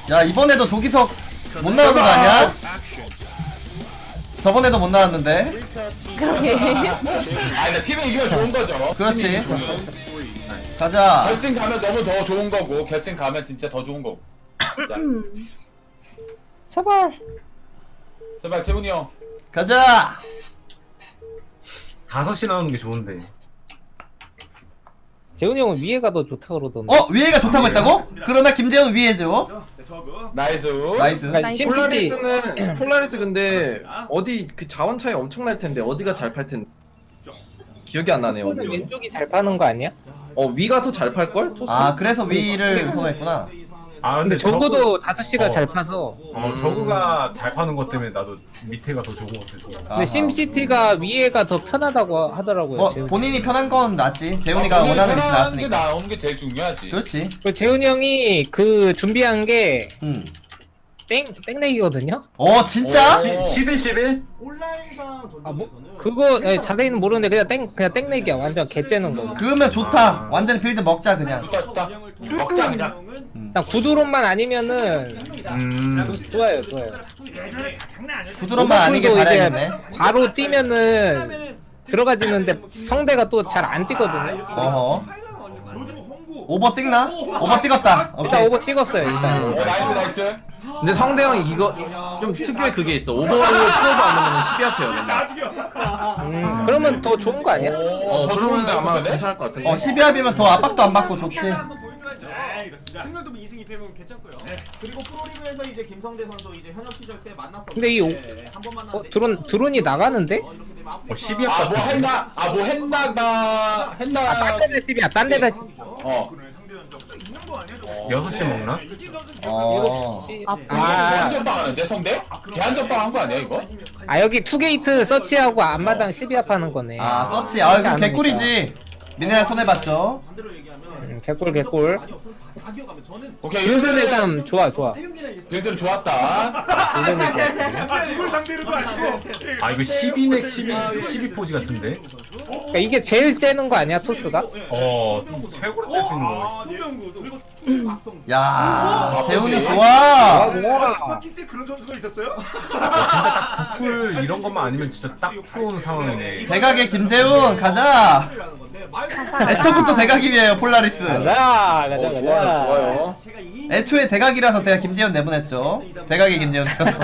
야 이번에도 조기석 못 나오는 거 아니야? 저번에도 못 나왔는데. 그러게. 아니 팀이 이기면 좋은 거죠. 그렇지. 가자. 결승 가면 너무 더 좋은 거고 결승 가면 진짜 더 좋은 거고. 자, 제발. 제발 재훈이 형. 가자. 5시 나오는 게 좋은데. 재훈이 형은 위에가 더 좋다 그러던데. 위에가 좋다고 했다고? 그러나 김재훈 위에죠. 나이스. 나이스. 그러니까 심시티 폴라리스는 폴라리스 근데 어디 그 자원 차이 엄청 날 텐데 어디가 잘 팔 텐데 기억이 안 나네요. 어디. 왼쪽이 잘 파는 거 아니야? 위가 더 잘 팔 걸? 토스. 아 그래서 위를 선호했구나. 아 근데 적어도 5시가 잘 파서. 저그가 잘 파는 것 때문에 나도 밑에가 더 좋은 것 같아서. 아하. 근데 심시티가 위에가 더 편하다고 하더라고요. 뭐 재훈이. 본인이 편한 건 낫지. 재훈이가 원하는 위치 게 나왔으니까. 나오는 게 제일 중요하지. 그렇지. 그 재훈이 형이 그 준비한 게 응. 땡내기거든요. 진짜? 11, 11? 그거 자세히는 모르는데 그냥 땡내기야. 완전 개째는 거. 그러면 좋다. 완전히 빌드 먹자 그냥. 딱 먹자 그냥. 그냥 구두론만 아니면은 좋아요. 구두론만 아니게 오버풀도 이제 바라야겠네. 바로 뛰면은 들어가지는데 성대가 또 잘 안 뛰거든요. 어허. 오버 찍나? 오버 찍었다. 일단 오케이. 오버 찍었어요. 일단. 나이스. 근데 성대형이 이거 좀 특유의 그게 있어. 오버를 풀어도 안 넣으면 12합해요. 맨날. 그러면 더 좋은 거 아니야? 더 그러면 좋은데, 아마 근데? 괜찮을 것 같은데. 12합이면 더 압박도 안 받고 좋지. 승률도 2승 2패면 괜찮고요. 그리고 프로리그에서 이제 김성대 선수 이제 현역 시절 때 만났었는데 근데 이 한번 만났는데 드론이 나가는데? 이렇게 되면 아무 12합 아뭐 같은 했나? 아뭐 했나가 했나? 딴 데다 10이야. 딴 데다 10. 어. 6시 먹나? 대한전빵 하는데 성대? 대한전빵 한 거 아니야 이거? 여기 투게이트 서치하고 앞마당 12합 하는 거네. 서치. 이거 개꿀이지. 미네랄 손해봤죠. 반대로 얘기하면 개꿀. 많이 없으면 다 기억하면 저는 오케이 빌드는 일단 좋아. 빌드는 좋았다. 누굴 상대로도 아니고 이거 12넥 12 포지 같은데? 그러니까 이게 제일 째는 거 아니야 토스가? 최고로 뗄 수 있는 거. 그리고 투수 박성주 야 재훈이 오케이. 좋아. 스파키스에 그런 선수가 있었어요? 풀 이런 것만 아니면 진짜 딱 좋은 상황이네. 대각의 김재훈 가자. 애초부터 대각이에요 폴라리스. 가자. 좋아요. 애초에 대각이라서 제가 김재훈 내보냈죠. 대각의 김재훈이라서.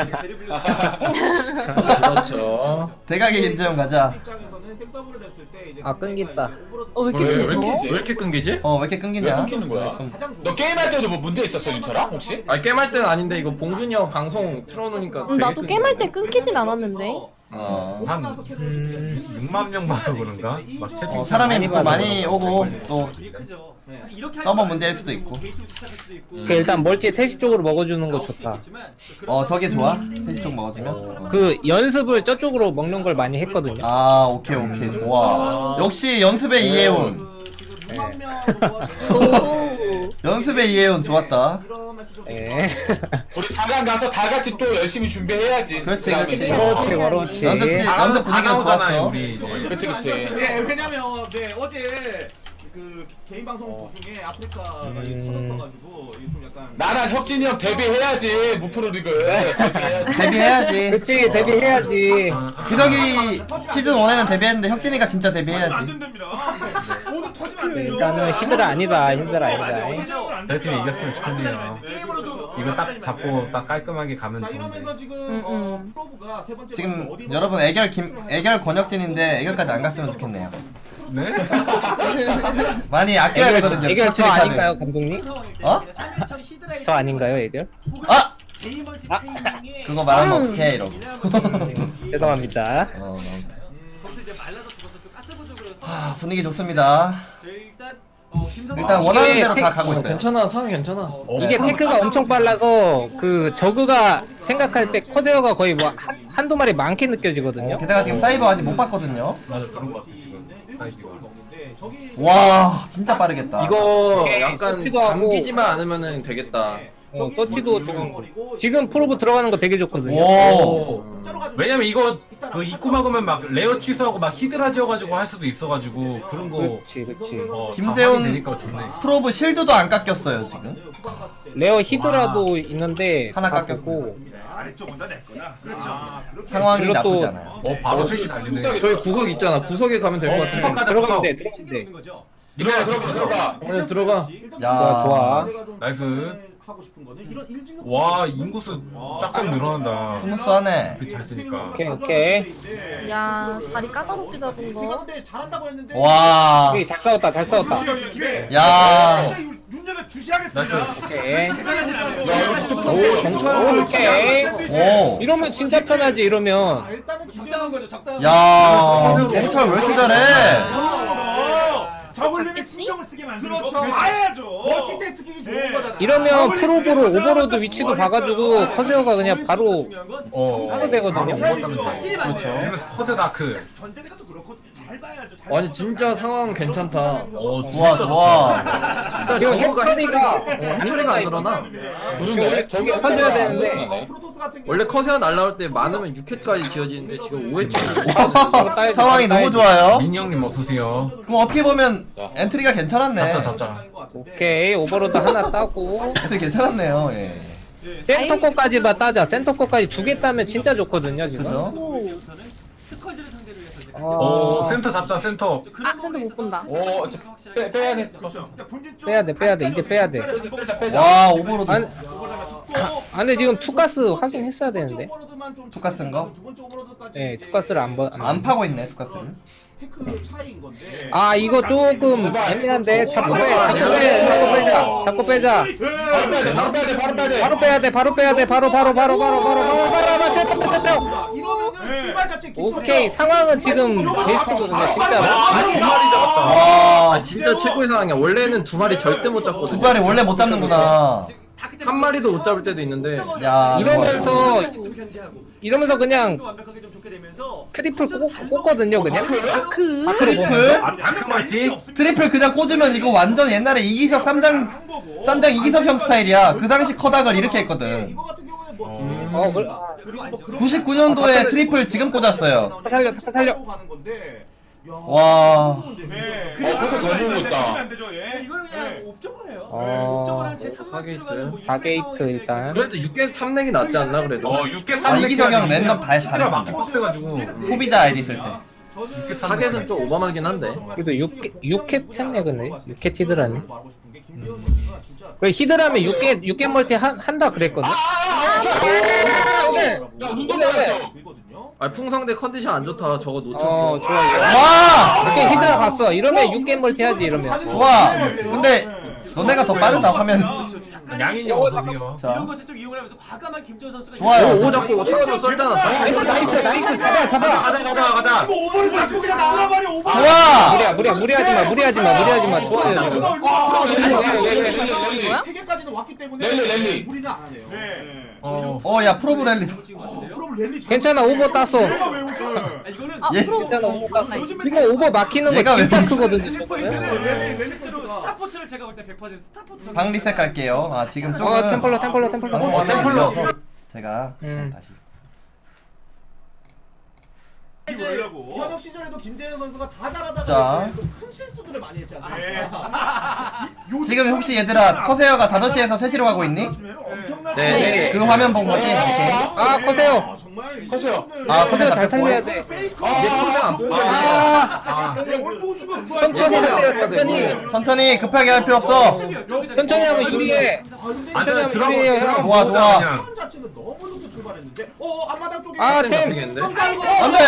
그렇죠. 대각의 김재훈 가자. 입장에서는 생더블을 했을 때 이제 끊긴다. 왜 이렇게 왜 무서워? 끊기지? 왜 이렇게 끊기지? 왜 이렇게 왜 끊기냐? 끊기는 거야? 너 게임할 때도 뭐 문제 있었어 윤철아 혹시? 게임할 때는 아닌데 이거 봉준이 형 방송 틀어놓으니까 되게 나도 게임할 때 끊기네. 끊기진 않았는데. 한 6만 명 봐서 그런가? 막 채팅 사람이 또 많이 봐서 오고 또 서버 문제일 수도 있고. 그 일단 멀티 3시 쪽으로 먹어주는 거 좋다. 저게 좋아? 3시 쪽 먹어주면? 그 연습을 저쪽으로 먹는 걸 많이 했거든요. 오케이 좋아. 역시 연습의 이해훈. 오. 연습의 이해훈 좋았다. 예. 우리 4강 가서 다 같이 또 열심히 준비해야지. 그렇지, 그다음에 그렇지. 이제. 그렇지. 연습 분위기가 좋았어. 우리 이제. 그치. 네, 왜냐면 어제 그 개인 방송 도중에 아프리카가 터졌어가지고 이게 좀 약간 나랑 혁진이 형 데뷔해야지 무프로리그 데뷔해야지. 데뷔해야지. 그치 데뷔해야지. 기석이 시즌 1에는 데뷔했는데 혁진이가 진짜 데뷔해야지. 된답니다. 모두 터지면 안 되죠. 일단은 힘들 아니다. 저희 팀이 이겼으면 좋겠네요. 게임으로도 이거 딱 잡고 딱 깔끔하게 가면 자 좋은데. 이러면서 지금 프로브가 세 번째 지금 어디 여러분 애결 권혁진인데 애결까지 안 갔으면 좋겠네요. 네? 많이 아껴야 되거든요. 애결 저 혁진이 카드. 아닌가요 감독님? 저 아닌가요 애결? 그거 말하면 어떡해 이러고. 죄송합니다. 분위기 좋습니다. 일단 원하는 대로 다 가고 있어요. 괜찮아. 상황 괜찮아. 이게 테크가 엄청 빨라서 그 저그가 생각할 때 커세어가 거의 뭐 한두 마리 많게 느껴지거든요. 게다가 지금 사이버 아직 못 봤거든요. 맞아 그런 것 같아 지금 사이즈가. 와 진짜 빠르겠다. 이거 오케이, 약간 섭취도 하고. 감기지만 않으면은 되겠다. 서치도 지금 프로브 들어가는 거 되게 좋거든요. 오. 왜냐면 이거 그 입구 막으면 막 레어 취소하고 막 히드라 지어가지고 할 수도 있어가지고 그런 거. 그렇지. 김재훈 되니까 좋네. 프로브 실드도 안 깎였어요 지금. 레어 히드라도 있는데 하나 다 깎였고. 보고. 아래쪽은 다 내 거야. 그렇죠. 상황이 그리고 또- 나쁘지 않아요. 바로 스위치 달리네. 저희 구석 있잖아. 구석에 가면 될 것 같은데. 구석까지 들어가면 돼. 들어가. 그냥 들어가. 야. 좋아. 나이스. 하고 싶은 거는 이런 일진력 와 인구수 짝짝 늘어난다. 스무스하네. 잘 치니까. 오케이. 야 자리 까다롭게 잡은 제가 거. 근데 잘한다고 했는데 와. 오케이, 잘 싸웠다. 야. 윤정을 주시하겠습니다. 나이스. 오케이. 오 정찰. 오케이. 오. 이러면 진짜 편하지 이러면. 일단은 적당한 거죠. 적당한 야. 경찰 왜 이렇게 잘해? 저글링에 맞겠지? 신경을 쓰게 만드는 거. 그렇죠. 봐야죠. 멀티태스킹이 좋은 거잖아. 이러면 프로브로 오버로드 위치도 봐가지고 커세어가 그냥 바로 하도 되거든요. 확실히 맞네. 그렇죠. 이러면서 커세 다크. 전쟁에서도 그렇고 잘 봐야죠. 잘 아니 진짜 상황 괜찮다. 좋아 좋아. 일단 지금 저거가 해처리가 해처리가 안 늘어나. 그런데 저기 퍼져야 되는데 프로토스 같은 경우 원래 커세어 날라올 때 많으면 6회까지 지어지는데 지금 5회쯤. 상황이 너무 좋아요. 민영님 어서오세요. 그럼 어떻게 보면 엔트리가 괜찮았네. 잡자. 오케이 오버로드 하나 따고 엔트리 괜찮았네요. 예. 센터 거까지만 따자. 센터 거까지 2개 따면 진짜 좋거든요 지금. 그죠? 오. 오 센터 잡자 센터. 아 근데 못 본다. 빼야 돼. 빼야 돼 이제 빼야 돼. 와 오버로드. 아니, 근데 지금 투가스 확인했어야 되는데. 투가 쓴 거? 네 투가스를 안 파고 있네 투가스를. 테크 차이인 건데. 아 이거 조금 애매한데 잡고 빼자. 바로 빼야 돼. 바로 이러면은 출발 자체 오케이 상황은 지금 베스트거든요 진짜로. 와. 진짜 최고의 상황이야. 원래는 2마리 절대 못 두 잡거든. 발이 원래 못 잡는구나. 한 마리도 못 잡을 때도 있는데. 야. 이러면서 그냥 트리플 꽂거든요 그냥. 그. 트리플? 다크마티. 트리플 그냥 꽂으면 이거 완전 옛날에 이기석 쌈장 이기석형 스타일이야. 그 당시 커닥을 이렇게 했거든. 이거 같은 경우는 뭐 그래. 그리고 뭐 그런 99년도에 트리플 지금 꽂았어요. 살려. 가는 건데. 야, 와. 네. 그래서 너무 못다. 이거는 그냥 옵저버예요. 어, 제 4게이트. 4게이트 일단. 그래도 6개 3넥이 낫지 않나 그래도. 6개 아, 이기석형 랜덤 다 잘했습니다. 막 잘했습니다. 빡세가지고. 소비자 아이디 쓸 때. 4개는 좀 오버하긴 한데. 그래도 6캣 템네 근데 6캣 히드라네. 말하고 싶은 게 김기현 선수가 진짜 그래 히드라면 6개 멀티 한다 그랬거든. 들거든요. 아 풍성대 컨디션 안 좋다. 저거 놓쳤어. 좋아. 와! 오케이 히드라 갔어. 이러면 6개 멀티 하지 이러면. 좋아. 근데 너네가 더 빠르다 화면. 양인이 어서오세요. 자. 이런 것을 좀 이용을 하면서 과감한 김재원 선수가 좋아요. 오 잡고 차로 썰잖아. 나이스 잡아. 가자. 이거 오버를 잡고 그냥 나가버리 오버. 좋아. 무리하지 마. 좋아요 지금. 뭐야? 세 개까지는 왔기 때문에 랠리. 무리는 안 하네요. 어, 야 프로브 랠리. 프로브 랠리 괜찮아 오버 땄어. 내가 왜 오죠? 이거는 아 예. 프로. 괜찮아 오버 땄어. 지금 오버 막히는 거 얘가 왜 진짜 그러지? 크거든요 저거는. 렐리스로 스타포트를 제가 볼 때 100% 스타포트 방 리셋 갈게요. 아 지금 조금 템플러. 방송 화면이 밀려서 제가 좀 다시. 현역 시절에도 김재현 선수가 다 잘하다가 자. 큰 실수들을 많이 했지 않습니까? 지금 혹시 얘들아 커세어가 5시에서 3시로 가고 있니? 네. 그 화면 본 거지? 오케이. 아 커세요. 정말 커세요. 아, 커세요 잘 다 살려야 돼. 페이커. 얘 컨대 안 보여. 천천히 하세요. 천천히 급하게 할 필요 없어. 천천히 하면 유리해. 안돼 유리해요. 좋아, 좋아. 턴 자체는 너무 좋게 출발했는데 앞마당 쪽에 아, 템 템. 잡히겠는데? 안돼.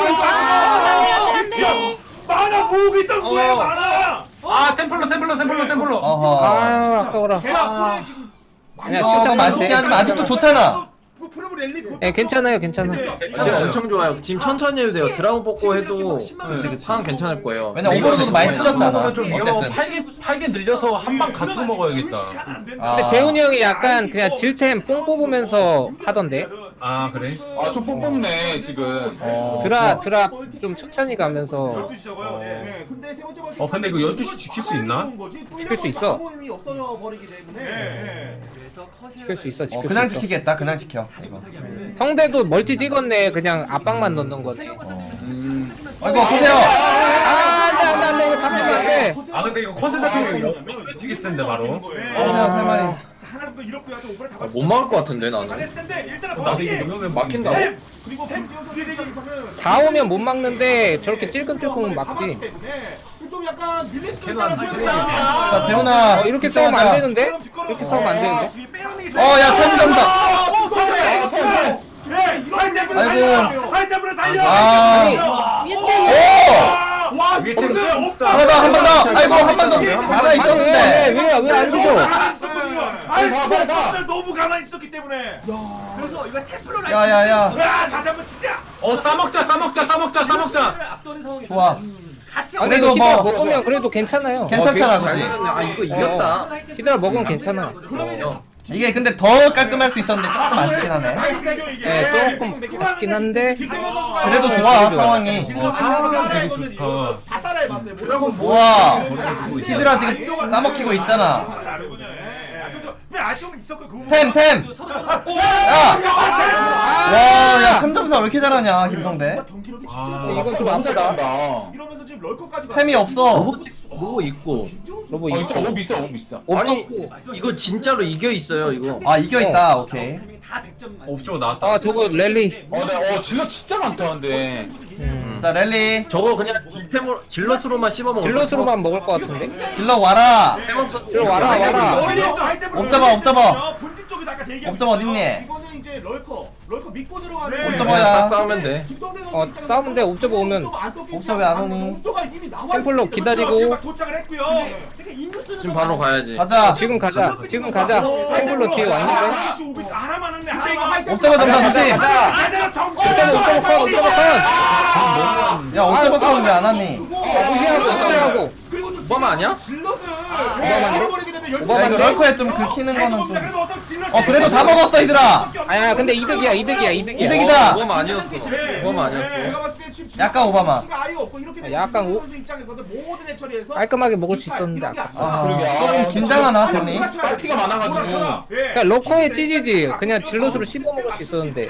만화 모으고 있던 거야 만화. 템플러. 어허. 아 아까워라. 대학 지금 그냥 어, 진짜 맛있게 하지만 아직도 좋잖아. 프로브 랠리 예 괜찮아요. 지금 엄청 좋아요. 지금 천천히 해도 돼요. 드라곤 뽑고 해도 상황 괜찮을 거예요. 왜냐 오버로드도 많이 치졌잖아. 좀 이거 어쨌든. 팔게 늘려서 한 방 갖추고 먹어야겠다. 아. 근데 재훈이 형이 약간 그냥 질템 뽕 뽑으면서 하던데. 아 그래? 아좀 뽕뽕네 지금. 드랍 좀 천천히 가면서 12시 적어요. 예. 근데 세 번째 벌칙 근데 이거 12시 지킬 수 있나? 지킬 수 있어. 모임이 없어져 버리기 때문에. 예. 그래서 컷을 지킬 수 있어. 지킬 그냥 수 있어. 지키겠다. 그냥 지켜. 다시 이거. 못하게 하면은 성대도 멀티 찍었네. 그냥 압박만 넣는 거네. 아이고 보세요. 안돼 이거 잡히면 안 돼. 아 근데 이거 컷에 잡히면 이거 죽일 텐데 바로. 보세요 세 마리. 하나 정도 이렇게 해서 오버를 잡아. 못 막을 것 같은데 나는. 잘했을 텐데 일단은 나도 이거 이러면 막힌다고? 그리고 뒤에 되기 위해서는 4오면 못 막는데 저렇게 찔끔찔끔 막지. 좀 약간 밀릴 수도 걔도 안 있다는 돼. 자 재훈아. 이렇게 싸우면 안 되는데? 이렇게 싸우면 안 되는데? 뒤에 빼놓는 게 어야 탐정다. 아이고 하이템으로 살려. 아. 위에 오. 와 위에 이거 템 없다. 하나 더 한 번 더. 아이고 한 번 더. 하나 있었는데. 왜안 뒤져? 아이 너무 가만히 있었기 때문에. 그래서 이거 템플러 라인 야야야. 야 다시 한번 치자. 싸먹자. 앞도는 상황이 좋아. 같이 아, 그래도 근데 히드라 뭐- 먹으면 그래도 괜찮아요. 괜찮잖아 잘 그지. 들었네. 아 이거 이겼다. 히드라 먹으면 괜찮아. 이게 근데 더 깔끔할 수 있었는데 조금 아쉽긴 하네. 네, 조금 아쉽긴 한데 그래도 좋아 상황이. 상황은 되게 좋다. 다 따라해봤어요. 우와. 히드라 지금 싸먹히고 있잖아. 왜 아쉬움은 있었고 그 부분. 템. 서로 야. 와야 탐정사 왜 이렇게 잘하냐 김성대. 경기력이 아, 진짜 좋아. 이건 좀 아프다. 이러면서 지금 럴커까지 템이 없어. 로고 있고. 로보 어 이거 진짜 너무 비싸 너무 비싸. 아니 이거 진짜로 이겨 있어요 이거. 아 이겨 있다. 오케이. 다 100점 만점. 옵저버 나왔다. 아 저거 랠리. 네, 질러 진짜 많다 근데. 자 랠리. 저거 그냥 템으로 질럿으로만 씹어 먹을. 질럿으로만 먹을 것 같은데? 질러 와라. 질럿 와라. 옵저버. 본진 쪽에다 아까 대기하고 옵저버 있었어요. 어딨니? 이거는 이제 럴커 믿고 들어가는. 옵저버야. 딱 싸우면 돼. 김성대 선수 어, 입장에서 싸우면 돼. 옵저버 오면. 옵저버 왜안 오니? 옵저버가 이미 나와 템플러 있으니까. 기다리고. 그렇죠. 도착을 했고요. 그러니까 인구수는 지금 바로 가야지. 가자. 지금 가자. 템플러 뒤에 왔는데. 하나만 했네. 근데 이거 하이템. 옵저버 점사 좋지. 제대로 정리. 옵저버 컷. 야 옵저버 턴 왜 안 왔니? 무시하고. 그리고 또 오바마 아니야? 질럿을 오바마인데? 잃어버리게 되면 야 이거 럴커에 좀 긁히는 거는 좀. 그래도 다 먹었어 얘들아. 아야 근데 이득이야. 이득이다. 오바마 아니었어. 오바마 아니었어. 제가 봤을 때 지금 약간 오바마. 아예 없고 이렇게 되면 약간 김성대 오- 선수 입장에서는 모든 해처리에서 깔끔하게 먹을 수 있었는데 아까. 아 그러게. 조금 긴장하나 정리. 피가 많아가지고. 그러니까 러커에 찌지지. 그냥 질럿으로 씹어 먹을 수 있었는데.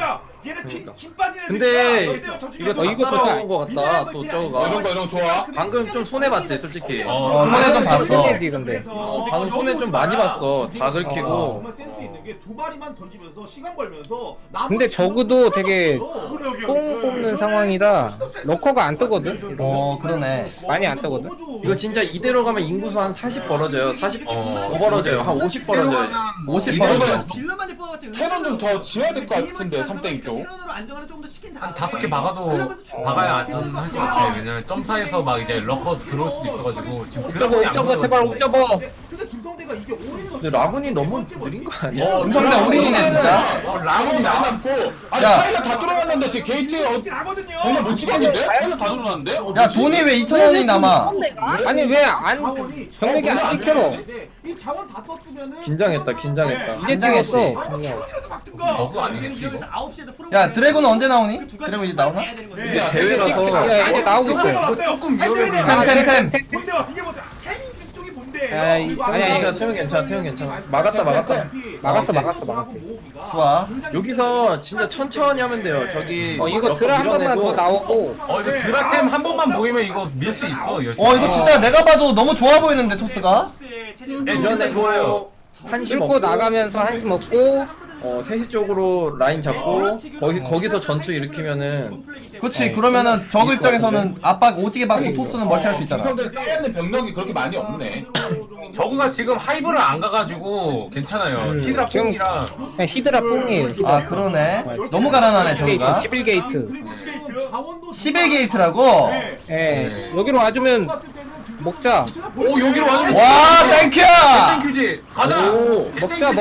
근데 이거 다 이것도 따라온 거 같다. 또 이런 저거가. 거 좋아. 방금 좀 손해 봤지 솔직히. 손해 좀 봤어. 근데. 방금 손해 좀 많이 봤어. 다 긁히고. 정말 센스 있는 게 두 마리만 던지면서 시간 벌면서 근데 저그도 되게 뽕 뽑는 상황이라 러커가 안 뜨거든. 그러네. 많이 안 뜨거든. 이거 진짜 이대로 가면 인구수 한 40 벌어져요. 40 더 벌어져요. 한 50 벌어져요. 50 이거는 벌어져. 질러만이 뽑았지. 캐논 좀 더 지어야 될 것 같은데 3땡 쪽. 캐논으로 안정화를 조금 더 시킨 다음에 한 5개 박아도 박아야 안전할 것 같아. 왜냐면 점사에서 막 이제 러커 들어올 수도 있어가지고 지금 드라곤이 안 옵저버 제발 옵저버. 근데 김성대가 이게 올인을 근데 라군이 너무 느린 거 아니야? 김성대 올인이네 진짜. 라곤이 많이 남고. 아니 야. 파일럿 다 뚫어놨는데 지금 게이트에 하거든요. 정말 못 찍었는데? 파일럿 다 뚫어놨는데? 야 돈이 왜 2,000원이 남아? 선대가? 아니 왜 안 병력이 안 찍혀? 이 자원 다 썼으면은 긴장했다. 긴장했다. 이제 긴장했지. 찍었어. 버그 아니겠지 이거? 여기서 9시에도 프로 야 드래곤은 언제 나오니? 드래곤 이제 나오나? 이게 대회라서 야 이제 나오고 있어. 조금 위험해. 템. 본대와 이게 뭔데? 태민 쪽이 본대. 야, 아니, 괜찮아. 태용 괜찮아. 태용 괜찮아. 막았다. 막았어. 좋아. 여기서 진짜 천천히 하면 돼요. 저기 이거 럭커 드라 한 번만 더 밀어내고. 나오고. 이거 드라템 한 번만 모이면 이거 밀 수 있어. 이거 진짜 내가 봐도 너무 좋아 보이는데 토스가. 밀어내고 한시 뚫고 먹고 나가면서 한시 먹고. 3시 쪽으로 라인 잡고 거기서 전투 일으키면은 그치 그러면은 저그 입장에서는 압박 오지게 받고 토스는 멀티할 수 있잖아. 김성대 쌓여있는 병력이 그렇게 많이 없네. 저그가 지금 하이브를 안 가가지고 괜찮아요. 히드라 지금 뽕이랑 그냥 히드라 뽕이에요. 아 그러네. 너무 가난하네 저그가. 11게이트. 11게이트라고? 예. 여기로 와주면 먹자. 오 여기로 와주면 와 땡큐! 땡큐지. 가자. 오, 먹자.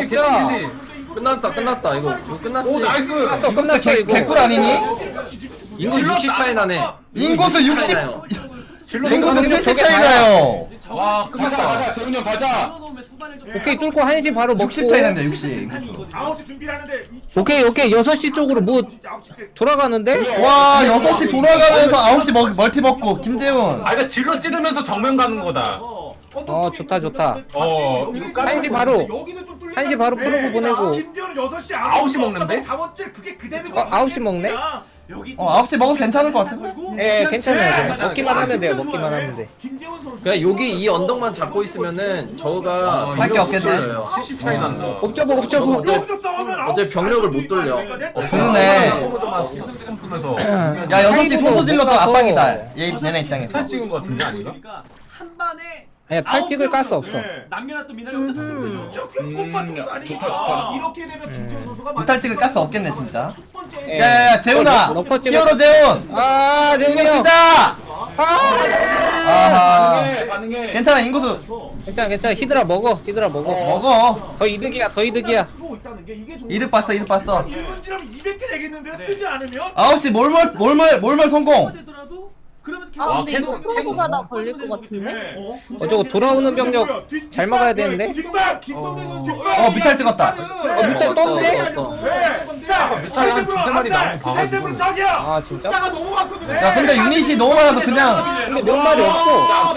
끝났다. 이거 끝났지. 오 나이스. 끝났어 이거. 개꿀 아니니? 인구 60 차이 나네. 인구수 60. 나요. 인구수 70 차이 나요. 와, 가자 재훈이 형 가자. 오케이 뚫고 1시 바로 먹고 60 차이 납니다 60. 9시 준비를 하는데 오케이 6시 쪽으로 뭐 돌아가는데? 와 6시 돌아가면서 9시 멀티 먹고 김재훈. 아, 이거 질러 찌르면서 정면 가는 거다. 좋다 좋다. 이거 1시 바로 여기는 좀 뚫려 1시 바로 프로브 보내고. 김재훈은 6시 9시 먹는데? 자원줄 그게 그대로 9시 먹네? 9시 먹어도 괜찮을 것 같은데? 예 괜찮아요. 먹기만 하면 돼요. 먹기만 하면 돼. 김재훈 선수 그냥 여기 이 언덕만 잡고 있으면은 저거가 할게 없겠네. 70 차이 난다. 옵저버 옵저버. 여기서 싸우면 어차피 병력을 못 돌려. 그러네. 포로도만 쓰면서 야 6시 소소질러도 압박이다 얘네 입장에서. 살 찍은 거 같은데 아닌가? 그러니까 한 반에 아니야 탈 찍을 가스 없어. 남녀나 또 미나리부터 탔으면 되죠. 그 꽃밭 투수 아닙니까? 좋다. 이렇게 되면 김재훈 선수가 무탈 찍을 가스 없겠네 진짜. 첫 번째 예. 야야야 재훈아 넣고 찍어. 히어로 재훈 아 신경 재훈이 형. 쓰자. 아하 가능해. 괜찮아 인구수 괜찮아 히드라 먹어 먹어. 더 이득이야 더 이득이야. 쓰고 있다는 게 이게 정말 이득 봤어 이득 봤어. 1분지라면 200개 되겠는데 쓰지 않으면 9시 몰몰 성공. 되더라도 그러면서 아 근데 캔- 이거 프로브가 나 걸릴 것 같은데? 저거 돌아오는 병력 잘 막아야 되는데? 뒷발 김성대 선수 뮤탈 찍었다. 뮤탈 떴네? 자 뮤탈 한 두세 마리 나오면 봐가지고. 헤드블 저기야 아 진짜? 숫자가 너무 많거든 야 근데 유닛이 너무 많아서 그냥 근데 몇 마리 없어.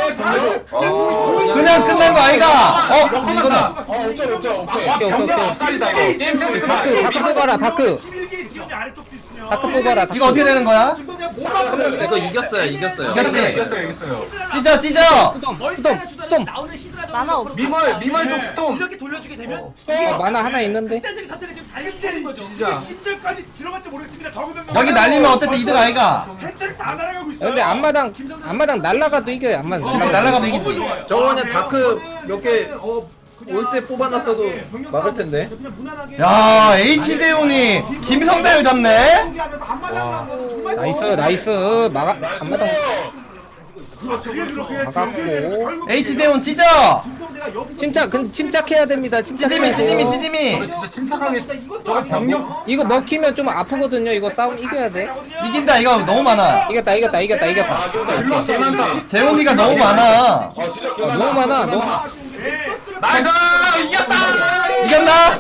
그냥 끝난 거 아이가? 이거는 오케이. 경력 앞살이다 이거. 게임 센스 다크 뽑아라 다크. 11개 지원이 아래쪽도 있으면 다크 뽑아라 다크. 이거 어떻게 되는 거야? 김성대가 못 막거든 이거 이겼어요. 이겼지? 이겼어요. 찢어. 스톰. 나오는 히드라 만화 없- 미멀 쪽 스톰. 이렇게 돌려주게 되면 만화 하나 있는데. 극단적인 선택을 지금 잘 근데 해주는 거죠. 이게 10절까지 들어갈지 모르겠습니다 적으면 여기 날리면 어쨌든 이득 아이가? 해체를 다 날아가고 있어요 근데 앞마당 날라가도 이겨요 앞마당. 그치 날라가도 이기지. 저거 그냥 다크 몇 개 올 때 뽑아놨어도 막을 텐데. 그냥 무난하게 야 H 재훈이 김성대를 잡네. 경기하면서 앞마당 가면 정말 나이스 앞마당. 그렇죠 그렇게 막았고. H 재훈 찢어. 김성대가 여기서 침착해야 됩니다. 찌짐이. 진짜 침착하게 저거 병력 이거 먹히면 좀 아프거든요. 이거 싸움 이겨야 돼. 이긴다 이거 너무 많아. 이겼다. 질러 개 많다. 재훈이가 너무 많아. 너무 많아. 나이스 이겼다. 이겼나?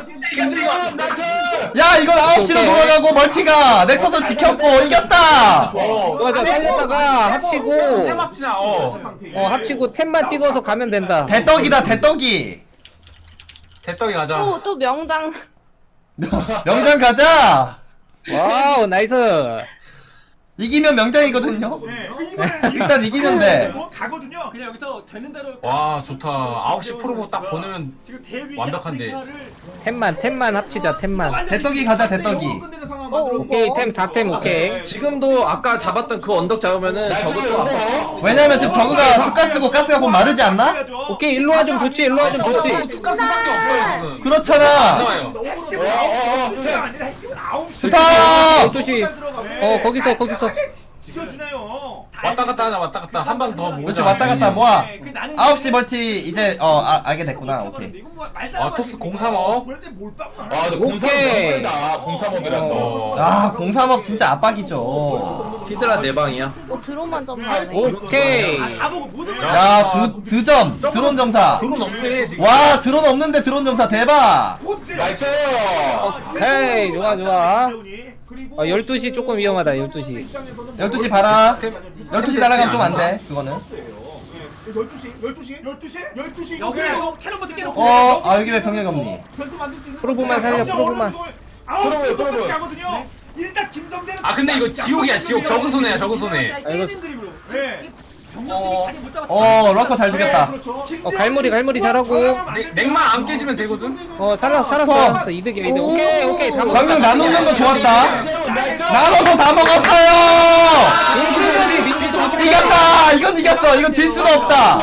야 이건 9시로 돌아가고 멀티가 넥서스 지켰고 이겼다. 맞아 살렸다가 합치고 태막지나 합치고 템만 찍어서 가면 된다. 대떡이다 대떡이. 대떡이 가자. 또 명당 명장 가자. 와우 나이스. 이기면 명장이거든요. 일단 이기면 돼. 가거든요 그냥 여기서 되는 대로 와 좋다. 9시 프로보 딱 보내면 지금 대위 완벽한데. 템만 합치자 템만. 대떡이 가자 대떡이. 오케이 템 다 템 오케이. 지금도 아까 잡았던 그 언덕 잡으면은 저것도 아파. 왜냐면 지금 저그가 투가스고 가스가 곧 마르지 않나? 오케이 일로와 좀 좋지. 투가스밖에 없어요 지금. 그렇잖아. 나와요. 핵심은 9시가 아니라 핵심은 9시 스탑. 12시. 거기서. 지켜주네요 왔다 갔다 한 방 더 모으자. 그렇지 왔다 갔다 모아. 그 나는 9시 멀티 이제 알게 됐구나. 오케이. 이건 뭐 말도 토스 035. 볼때 몰빵 아 근데 오케이. 03 공삼업이라서. 아 03업 진짜 압박이죠. 히드라 4방이야. 드론만 좀 봐야 돼. 오케이. 다 보고 모든 걸 야 드점 드론 점사. 드론 없네 지금. 와 드론 없는데 드론 점사 대박. 나이스. 오케이 좋아. 12시 조금 위험하다 12시. 12시 봐라. 12시 날아가면 좀 안 돼. 그거는. 12시 여기에도 캐논부터 깨놓고 여기 왜 병력이 없니? 프로브만 살려, 프로브만. 프로브 가거든요. 일단 김성대는 아 근데 이거 지옥이야 지옥. 적은 손해야 적은 손해. 이거- 깨는 그림으로 네. 병력들이 자리 못 잡았어. 럭커 잘 죽였다. 갈무리 잘하고. 냉만 안 깨지면 되거든. 살았어 이득이야 이득. 오케이 잡았어. 방금 나누는 거 좋았다. 나눠서 다 먹었어요. 이겼다. 이건 이겼어. 이건 질 수가 없다.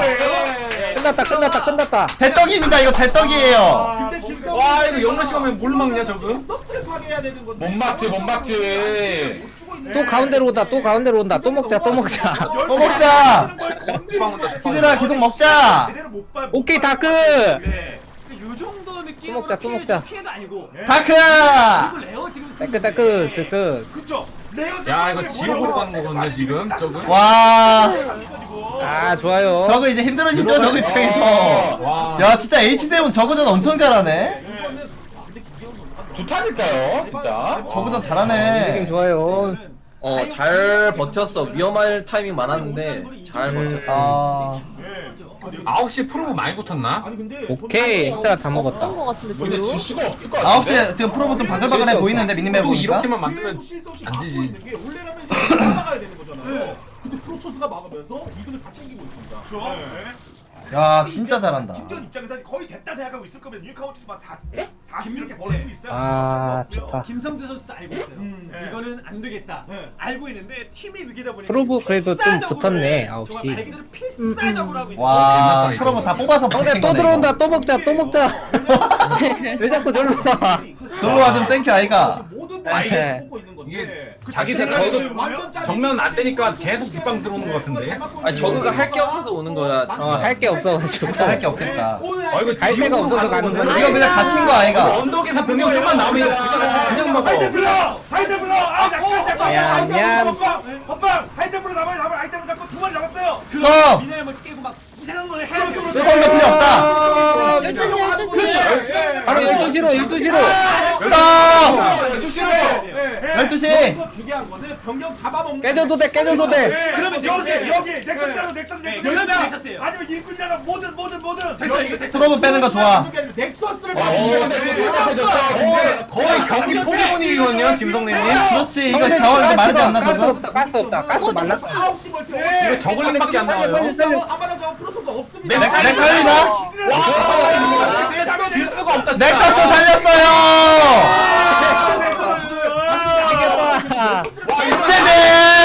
끝났다. 대떡입니다. 이거 대떡이에요. 근데 김성대 와 이거 영러 시간에 뭘 막냐 저거. 서스를 파괴해야 되는 건데. 못 막지. 또 가운데로 온다. 또 먹자. 또 먹자. 히드라 계속 먹자. 오케이 다크. 네. 요 정도 느낌으로 또 먹자. 피해도 아니고. 다크. 그리고 레어 지금 따크 쓱쓱. 그쵸. 야 이거 지옥으로 가는 거거든요 지금 저거. 와. 아 좋아요. 저거 이제 힘들어지죠 저거 입장에서. 와. 야 진짜 H7 저거전 엄청 잘하네. 좋다니까요 진짜. 저거전 느낌 잘하네. 좋아요. 잘 버텼어. 위험할 타이밍 많았는데 잘 버텼어. 아 9시 프로브 많이 붙었나? 아니 근데 오케이 엑스트라 다 그런 먹었다. 거 같은데 근데 별로. 질 수가 없을 것 같은데. 9시에 지금 프로브 좀 바글바글해 보이는데 미니맵 또 보니까. 이렇게만 만들면 안 되지. 원래라면 이제 막아야 되는 거잖아요. 근데 프로토스가 막으면서 2등을 다 챙기고 있습니다. 그렇죠. 야 진짜 잘한다. 김전 입장에서는 거의 됐다 생각하고 있을 거면 유카운트만 40 이렇게 벌리고 있어요. 아 좋다. 김성대 선수도 알고 있어요. 네. 이거는 안 되겠다. 네. 알고 있는데 팀이 위기다 보니까 프로브 그래도 좀 필사적으로 붙었네, 해. 9시. 정말 말 그대로 필사적으로 하고 있는 와 이거. 프로브 다 뽑아서 형네 붙인 또 거네. 들어온다. 이거. 또 먹자. 또 먹자. 왜 자꾸 절로 와? 절로 와 좀 땡큐 아이가. 모든 아, 분들이 뽑고 있는 건데 이게 그 자기 자체가 생각에도 완전 짜릿해. 정면 안 되니까 계속 뒷방 들어오는 것 같은데. 아니 저그가 할 게 없어서 오는 거야. 진짜. 할 게 없어가지고. 진짜 할 게 없겠다. 아 이거 갈 데가 없어서 가는 거야. 이거 그냥 갇힌 거 아이가. 언덕에서 병력 좀만 나오면 이거 그냥 먹어. 하이템플러! 아 잠깐 얌얌. 헛방! 하이템플러 잡아요 하이템플러 잡고 2마리 잡았어요 썸! 미네랄 멀티 깨고 막 이상한 걸 해요 스톰도 필요 없다. 12시. 바로 12시로 12시로. 스톱! 12시. 여기서 중요한 거는 병력 잡아먹는 깨져도 돼. 깨져도 돼. 그러면 여기 넥서스 넥서스라도 넥서스 그러면 넥서스예요 아니면 일꾼이라도 뭐든 됐어 이거 됐어 프로브 빼는 거 좋아. 넥서스를 와 거의 경기 포기본이거든요 김성래님. 그렇지 이거 자원 이제 마르지 않나 가스 저거? 없다. 가스 없다. 가스 말랐어. 9시 멀티 이거 저글링밖에 안 나와요. 아마나 저 프로토스 없습니다. 넥 살리나? 질 수가 없다. 넥서스 살렸어요! 이겼다. 제제!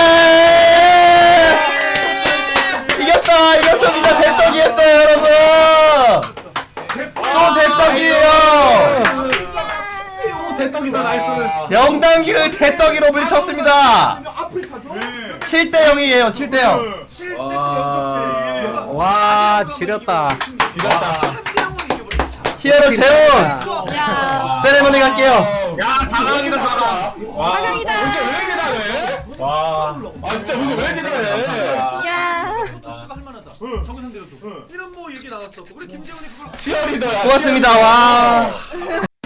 이겼다! 이겼습니다! 대떡이 했어요 여러분! 또 대떡이에요! 또 대떡이다 나이스. 영단기를 대떡이로 물리쳤습니다! 아프리카죠? 7대 0이에요 7대 0. 7세트 연속 와 지렸다. 지렸다. 히어로 재훈! 야. 세레머니 갈게요. 야 4강이다 4강. 와. 사강이다. 와. 아 진짜 우리 왜 이렇게 잘해? 야. 프로토스가 할만하다 정우 상대로도 이런 뭐 얘기 나왔었고 우리 김재훈이 그걸 치어리더야. 고맙습니다 와.